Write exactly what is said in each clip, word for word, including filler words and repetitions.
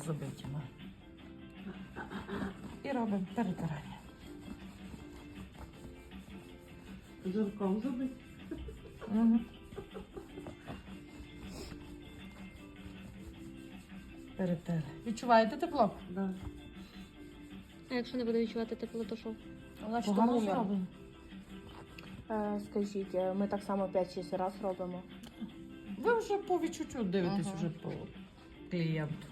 забиті. Ну. І робимо перетирання. Жирком забити. Угу. Перетерли. Відчуваєте тепло? Да. А якщо не буду відчувати тепло, то що? Значить, Погано умір. зроблено. Е, Скажіть, ми так само п'ять-шість разів робимо. Ви вже по відчуттю дивитесь Ага. вже по клієнту.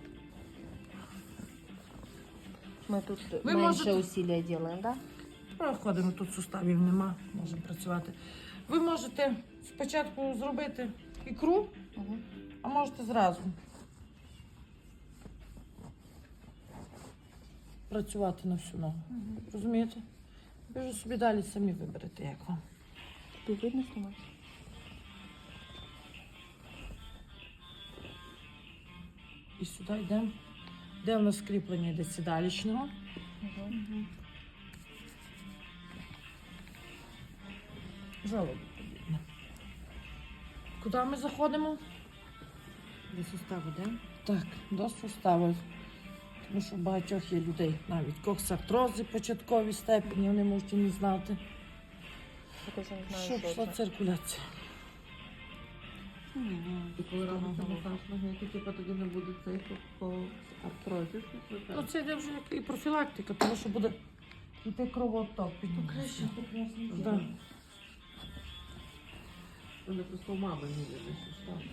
Ми тут Ви менше можете- усилля робимо, так? Проходимо, тут суставів нема, можемо працювати. Ви можете спочатку зробити ікру, Угу. а можете зразу працювати на всю ногу. Розумієте? Ви вже собі далі самі виберете, як вам. Тут видно знімати? І сюди йдемо. Де у нас кріплення йде сідалічного. Угу. Жалоби подібне. Куди ми заходимо? До суставу, да? Так, до суставу. Тому що у багатьох є людей навіть коксартрози початковій степені, вони можуть і не знати, Я теж не знаю, що що пішла це. циркуляція. І коли робиться масаж ноги, то типу тоді не буде цей по, по артрозі. Ну це йде вже як і профілактика, тому що буде йти кровоток під Краще, прекрасно. Да. Вони просто у мами не видно, що стало.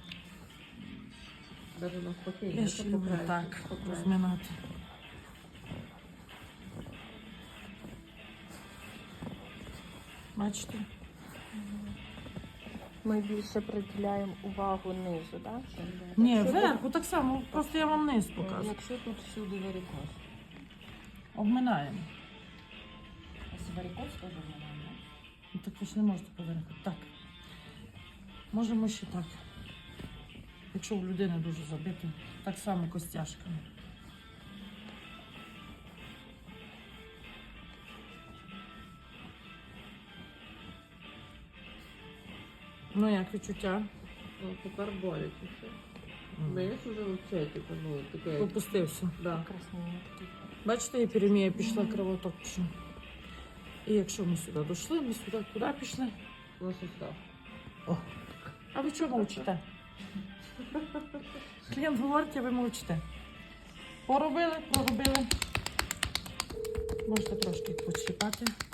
Навіть навпаки. Я не ще то люблю покраще, так покраще. розминати. Бачите? Ми більше приділяємо увагу низу, так? Ні, вверху так само, просто я вам низ показую. Якщо тут всюди варикоз. Обминаємо. А варикоз теж нормально? Ну, так ви ж не можете повернути. Так. Можемо ще так. Якщо у людини дуже забито, так само костяшками. Ну як відчуття? Ну, тепер боляче все. Знаєш, вже взагалі, типу, ну, таке... Попустився. Да. Краснення такі. Бачите, епідемія пішла, кровоток пішов. І якщо ми сюди дійшли, ми сюди куди пішли? На сустав. О. А ви чого мовчите? Клієнт говорить, а ви мовчите. Поробили, проробили. Можете трошки почіпати.